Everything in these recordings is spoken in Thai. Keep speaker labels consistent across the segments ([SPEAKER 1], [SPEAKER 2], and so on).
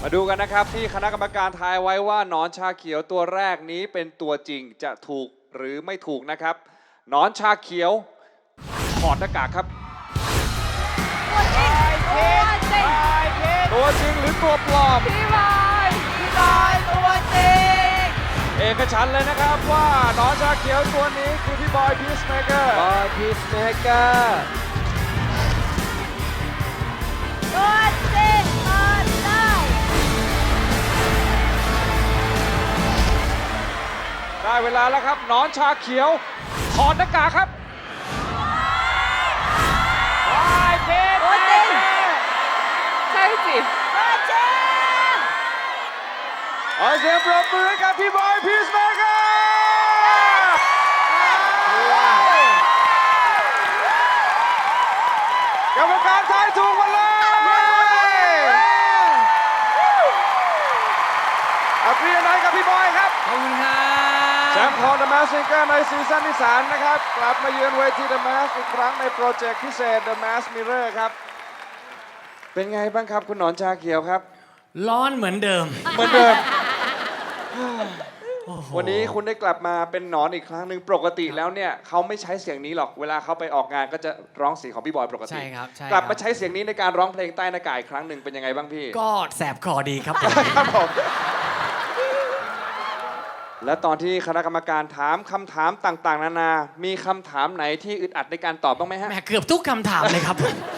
[SPEAKER 1] มาดูกันนะครับที่คณะกรรมการทายไว้ว่าหนอนชาเขียวตัวแรกนี้เป็นตัวจริงจะถูกหรือไม่ถูกนะครับหนอนชาเขียวถอดหน้ากากครับตัวจริงหรือตัวปลอม
[SPEAKER 2] พี่บอยตัวจริง
[SPEAKER 1] เอกฉันท์เลยนะครับว่าหนอนชาเขียวตัวนี้คือพี่บอยพีซเมเกอร์
[SPEAKER 2] ตัวจริงเปิดได้
[SPEAKER 1] ได้เวลาแล้วครับหนอนชาเขียวถอดหน้ากากครับ
[SPEAKER 2] ตัวจริงใช่สิตัวจริง
[SPEAKER 1] ขอเสียงปรบมือให้กับพี่บอยพีซเมเกอร์กรรมการทายถูกหมดเลยอัพเรียนไหนกับพี่บอยครับ
[SPEAKER 3] ขอบคุณครับ
[SPEAKER 1] แชมป์ของ The Masked Singer ในซีซั่นที่ 3 นะครับกลับมาเยือนเวที The Masked อีกครั้งในโปรเจกต์พิเศษ The Masked Mirror ครับเป็นไงบ้างครับคุณหนอนชาเขียวครับ
[SPEAKER 3] ร้อนเหมือนเดิม
[SPEAKER 1] วันนี้คุณได้กลับมาเป็นหนอนอีกครั้งหนึ่งปกติแล้วเนี่ยเขาไม่ใช้เสียงนี้หรอกเวลาเขาไปออกงานก็จะร้องเสียงของพี่บอยปกติ
[SPEAKER 3] ใช่ครับ
[SPEAKER 1] กลับมาใช้เสียงนี้ในการร้องเพลงใต้หน้ากากอีกครั้งหนึ่งเป็นยังไงบ้างพี่
[SPEAKER 3] ก็แสบคอดีครับ
[SPEAKER 1] ครับผมและตอนที่คณะกรรมการถามคำถามต่างๆนานามีคำถามไหนที่อึดอัดในการตอบบ้างไหมฮะ
[SPEAKER 3] แหมเกือบทุกคำถามเลยครับ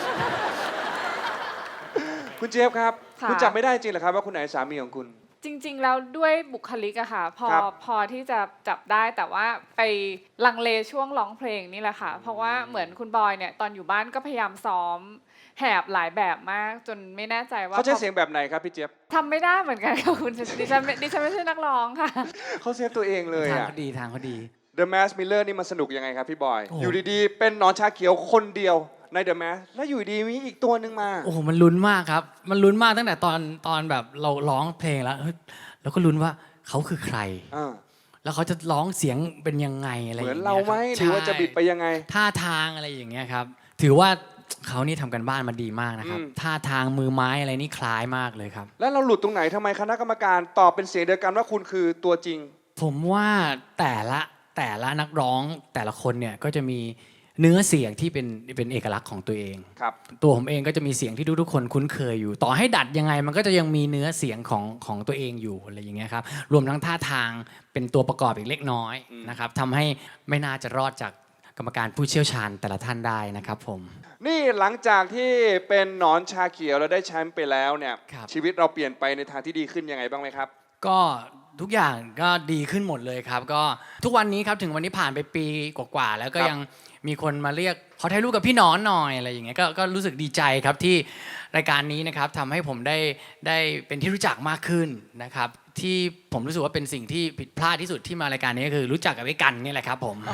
[SPEAKER 1] คุณเจี๊ยบครับคุณจับไม่ได้จริงเหรอครับว่าคุณไหนสามีของคุณ
[SPEAKER 4] จริงๆแล้วด้วยบุคลิกอะค่ะพอที่จะจับได้แต่ว่าไปลังเลช่วงร้องเพลงนี่แหละค่ะเพราะว่าเหมือนคุณบอยเนี่ยตอนอยู่บ้านก็พยายามซ้อมแหบหลายแบบมากจนไม่แน่ใจว่า
[SPEAKER 1] เขาใช้เสียงแบบไหนครับพี่เจี๊ยบ
[SPEAKER 4] ทำไม่ได้เหมือนกันค่ะคุณดิฉันไม่ใช่นักร้องค่ะ
[SPEAKER 1] เขาเซฟตัวเองเลย
[SPEAKER 3] ทางเขาดีทางเขาดี
[SPEAKER 1] The Masked Miller นี่มันสนุกยังไงครับพี่บอยอยู่ดีๆเป็นหนอนชาเขียวคนเดียวใน The Masked แล้วอยู่ดีมีอีกตัวหนึ่งมา
[SPEAKER 3] โอ้โหมันลุ้นมากครับมันลุ้นมากตั้งแต่ตอนแบบเราร้องเพลงแล้วก็ลุ้นว่าเขาคือใครแล้วเขาจะร้องเสียงเป็นยังไงอะไรอย่างเงี้ย
[SPEAKER 1] เหมือนเราไหมหรือว่าจะบิดไปยังไง
[SPEAKER 3] ท่าทางอะไรอย่างเงี้ยครับถือว่าเขานี่ทำกันบ้านมาดีมากนะครับท่าทางมือไม้อะไรนี่คล้ายมากเลยครับ
[SPEAKER 1] แล้วเราหลุดตรงไหนทำไมคณะกรรมการตอบเป็นเสียงเดียวกันว่าคุณคือตัวจริง
[SPEAKER 3] ผมว่าแต่ละนักร้องแต่ละคนเนี่ยก็จะมีเนื้อเสียงที่เป็นเอกลักษณ์ของตัวเอง
[SPEAKER 1] ครับ
[SPEAKER 3] ตัวผมเองก็จะมีเสียงที่ทุกคนคุ้นเคยอยู่ต่อให้ดัดยังไงมันก็จะยังมีเนื้อเสียงของตัวเองอยู่อะไรอย่างเงี้ยครับรวมทั้งท่าทางเป็นตัวประกอบอีกเล็กน้อยนะครับทำให้ไม่น่าจะรอดจากกรรมการผู้เชี่ยวชาญแต่ละท่านได้นะครับผม
[SPEAKER 1] นี่หลังจากที่เป็นหนอนชาเขียวเราได้แชมป์ไปแล้วเนี่ยชีวิตเราเปลี่ยนไปในทางที่ดีขึ้นยังไงบ้างไหมครับ
[SPEAKER 3] ก็ทุกอย่างก็ดีขึ้นหมดเลยครับก็ทุกวันนี้ครับถึงวันนี้ผ่านไปปีกว่าๆแล้วก็ยังมีคนมาเรียกขอถ่ายรูปกับพี่หนอนหน่อยอะไรอย่างเงี้ยก็รู้สึกดีใจครับที่รายการนี้นะครับทำให้ผมได้เป็นที่รู้จักมากขึ้นนะครับที่ผมรู้สึกว่าเป็นสิ่งที่ผิดพลาดที่สุดที่มารายการนี้ก็คือรู้จักกับไอ้กันนี่แหละครับผม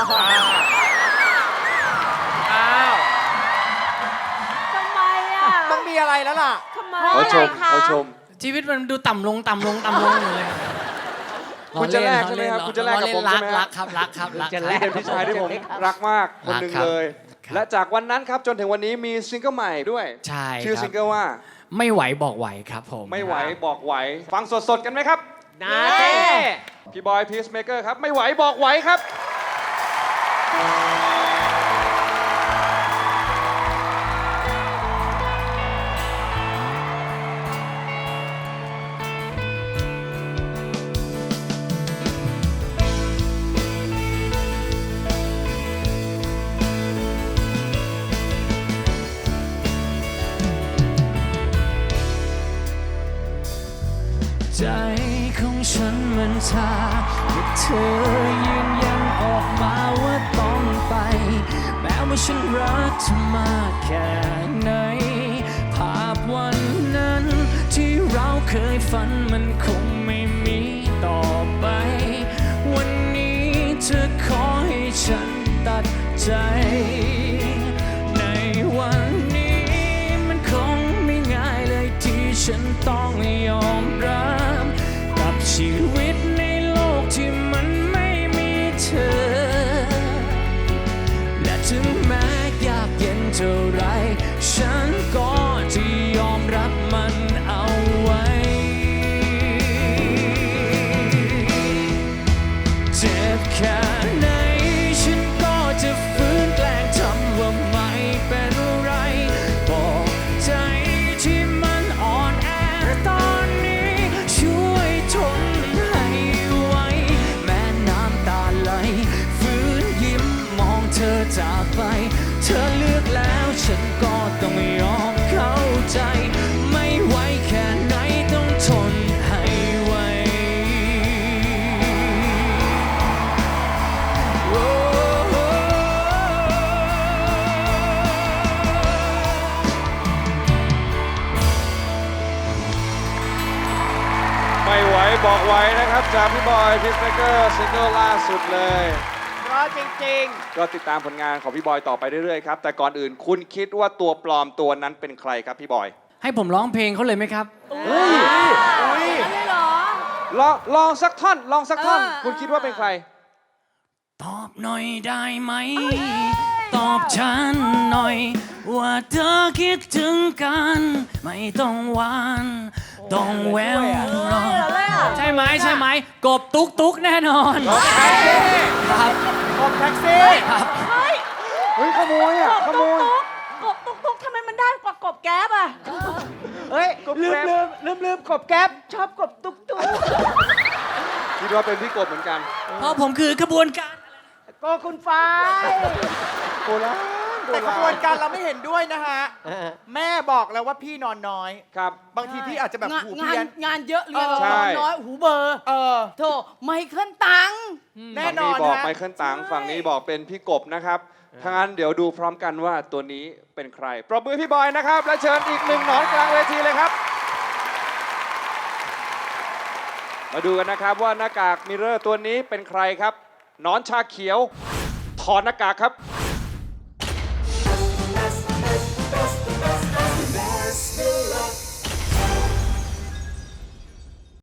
[SPEAKER 2] ทำไมอ่ะ
[SPEAKER 5] ต้องมีอะไรแล้วล่ะ
[SPEAKER 2] ทำไม
[SPEAKER 1] เขาชม
[SPEAKER 3] ชีวิตมันดูต่ำลงอยู่เลย
[SPEAKER 1] คุณจะแลกใช่ไหมครับคุณจะแลกกับผมใช่ไหม
[SPEAKER 3] รักครับ
[SPEAKER 1] เป็นพี่ชายที่ผมรักมากคนหนึ่งเลยและจากวันนั้นครับจนถึงวันนี้มีซิงเกิลใหม่ด้วย
[SPEAKER 3] ใช่
[SPEAKER 1] ชื่อซิงเกิลว่า
[SPEAKER 3] ไม่ไหวบอกไหวครับผม
[SPEAKER 1] ไม่ไหวบอกไหวฟังสดๆกันไหมครับ
[SPEAKER 5] นาเต้
[SPEAKER 1] พี่บอยพีซเมเกอร์ครับไม่ไหวบอกไหวครับ
[SPEAKER 3] ใจของฉันมันชาแต่เธอยืนยันออกมาว่าต้องไปแม้ว่าฉันรักเธอมากแค่ไหนภาพวันนั้นที่เราเคยฝันมันคงไม่มีต่อไปวันนี้เธอขอให้ฉันตัดใจในวันนี้มันคงไม่ง่ายเลยที่ฉันต้องยอมรับกับชีวิตในโลกที่มันไม่มีเธอและถึงแม้ยากเย็นเท่าไรฉันก็จะยอมรับมันเอาไว้ฉันก็ต้องยอมเข้าใจ ไม่ไหวแค่ไหนต้องทนให้ไหวโอ้
[SPEAKER 1] ไม่ไหวบอกไหวนะครับจากพี่บอยพิสเมเกอร์ซิงเกิลล่าสุดเลย
[SPEAKER 5] เพราะจริง
[SPEAKER 1] ก็ติดตามผลงานของพี่บอยต่อไปเรื่อยๆครับ แต่ก่อนอื่นคุณคิดว่าตัวปลอมตัวนั้นเป็นใครครับพี่บอย
[SPEAKER 3] ให้ผมร้องเพลงเขาเลยไหมครับ
[SPEAKER 5] อุ้ย
[SPEAKER 2] ได้เหรอ
[SPEAKER 1] ลองสักท่อนลองสักท่อน คุณคิดว่าเป็นใคร
[SPEAKER 3] ตอบหน่อยได้ไหม ตอบฉันหน่อย ว่าเธอคิดถึงกัน ไม่ต้องหวานต้องแววหรอกใช่ไหมใช่ไหม กบตุ๊กตุ๊กแน่นอนครับ
[SPEAKER 5] กบแท็กซี่
[SPEAKER 2] เฮ้ย
[SPEAKER 1] เฮ้ยขโมยอ่ะขโมย
[SPEAKER 2] กบตุ๊กทำไมมันได้กว่ากบแก๊บอ่ะ
[SPEAKER 5] เฮ้ย ลืมกบแก๊ปชอบกบตุ๊ก
[SPEAKER 1] คิดว่าเป็นพี่กบเหมือนกัน
[SPEAKER 3] เพราะผมคือขบวนการ
[SPEAKER 5] ก็คุณฟ้าย
[SPEAKER 1] โบราณโบ
[SPEAKER 6] แต่ข
[SPEAKER 1] รา
[SPEAKER 6] บวน
[SPEAKER 1] ณ
[SPEAKER 6] การเราไม่เห็นด้วยนะฮะ แม่บอกแล้วว่าพี่นอนน้อย
[SPEAKER 1] ครับ
[SPEAKER 6] บางทีพี่อาจจะแบบหู
[SPEAKER 2] งา
[SPEAKER 6] เพี้ย
[SPEAKER 2] น
[SPEAKER 6] น
[SPEAKER 2] งานเยอะเรียน
[SPEAKER 6] เออ
[SPEAKER 1] ใช่
[SPEAKER 2] น้อยหูเบอร์
[SPEAKER 6] เออ
[SPEAKER 2] โธ่ไมเคิลตังค์
[SPEAKER 6] แน่
[SPEAKER 1] ฝั่ง
[SPEAKER 6] นอ
[SPEAKER 1] นี้
[SPEAKER 6] น
[SPEAKER 1] บอก
[SPEAKER 6] ฮะ
[SPEAKER 1] ไมเคิลตังฝั่งนี้บอกเป็นพี่กบนะครับถ้างั้นเดี๋ยวดูพร้อมกันว่าตัวนี้เป็นใคร ปรบมือพี่บอยนะครับ และเชิญอีกหนึ่งหนอนกลางเวทีเลยครับ มาดูกันนะครับว่าหน้ากากมิเรอร์ตัวนี้เป็นใครครับหนอนชาเขียวถอดหน้ากากครับ